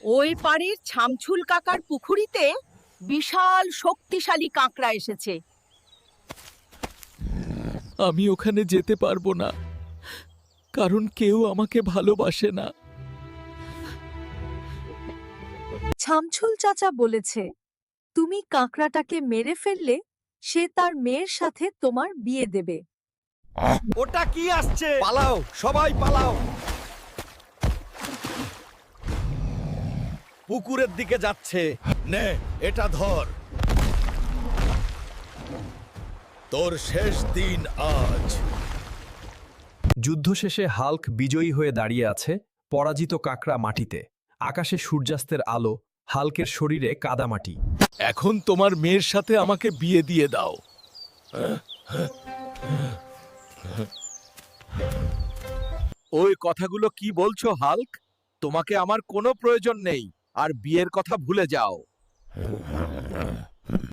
ওই পাড়ের ছামছুল কাকার পুকুরিতে বিশাল শক্তিশালী কাঁকড়া এসেছে। আমি ওখানে যেতে পারবো না, কারণ কেউ আমাকে ভালোবাসে না। ছামছুল চাচা বলেছে, তুমি কাঁকড়াটাকে মেরে ফেললে সে তার মেয়ের সাথে তোমার বিয়ে দেবে। ওটা কি আসছে? পালাও, সবাই পালাও। পুকুরের দিকে যাচ্ছে। নে, এটা ধর। তোর শেষ দিন আজ। যুদ্ধ শেষে হাল্ক বিজয়ী হয়ে দাঁড়িয়ে আছে, পরাজিত কাকড়া মাটিতে। আকাশে সূর্যাস্তের আলো, হাল্কের শরীরে কাদামাটি। এখন তোমার মেয়ের সাথে আমাকে বিয়ে দিয়ে দাও। ওই কথাগুলো কি বলছো হাল্ক? তোমাকে আমার কোনো প্রয়োজন নেই, আর বিয়ের কথা ভুলে যাও।